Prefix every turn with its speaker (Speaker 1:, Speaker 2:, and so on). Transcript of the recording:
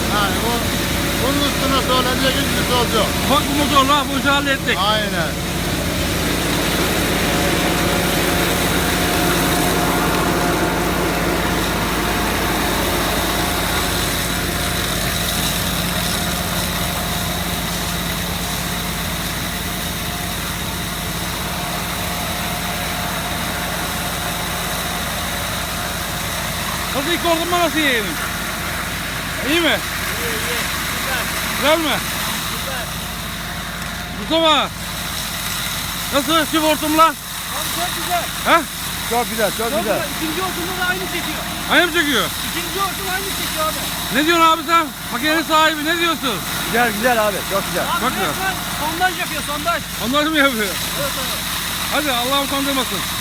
Speaker 1: Yani bunun üstüne söyleyecek hiçbir söz yok.
Speaker 2: Bak bu motorla bu işi hallettik.
Speaker 1: Aynen.
Speaker 2: Nasıl ilk orduma nasıl yeğenim? İyi mi?
Speaker 3: İyi, iyi. Güzel.
Speaker 2: Güzel mi?
Speaker 3: Güzel.
Speaker 2: Mustafa! Nasıl çift hortumla?
Speaker 3: Abi çok güzel.
Speaker 2: He?
Speaker 1: Çok güzel, çok
Speaker 3: Çok güzel. İkinci hortumda da aynı çekiyor.
Speaker 2: Aynı mı çekiyor?
Speaker 3: İkinci hortum aynı çekiyor abi.
Speaker 2: Ne diyorsun abi sen? Makinenin sahibi ne diyorsun?
Speaker 1: Güzel, güzel abi. Çok güzel.
Speaker 3: Abi
Speaker 2: Bak ya.
Speaker 3: resmen sondaj yapıyor, sondaj.
Speaker 2: Onlar mı yapıyor?
Speaker 3: Evet abi.
Speaker 2: Hadi Allah utandırmasın.